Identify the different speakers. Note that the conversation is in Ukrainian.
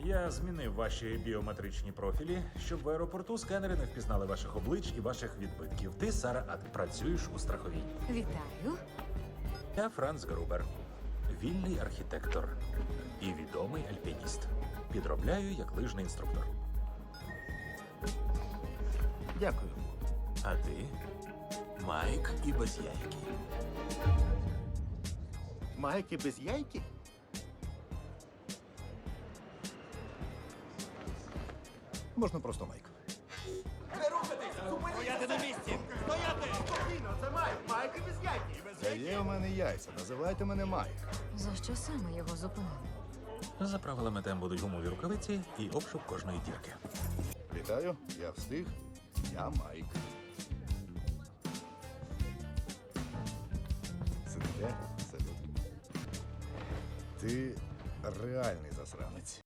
Speaker 1: Я змінив ваші біометричні профілі, щоб в аеропорту сканери не впізнали ваших облич і ваших відбитків. Ти, Сара Ад, працюєш у страховій.
Speaker 2: Вітаю.
Speaker 1: Я Франц Грубер, вільний архітектор і відомий альпініст. Підробляю як лижний інструктор.
Speaker 3: Дякую.
Speaker 1: А ти? Майк і без яйки.
Speaker 3: Майки без яйки? Можна просто Майк.
Speaker 4: Стояти на місці! Стояти!
Speaker 3: Спокійно, це Майк. Майки без яйки. Та є у мене яйця. Називайте мене Майк.
Speaker 2: За що саме його зупинили?
Speaker 1: За правилами там будуть гумові рукавиці і обшук кожної дірки.
Speaker 3: Вітаю, я встиг. Я Майк. Сидите? Салют. Ти реальний засранець.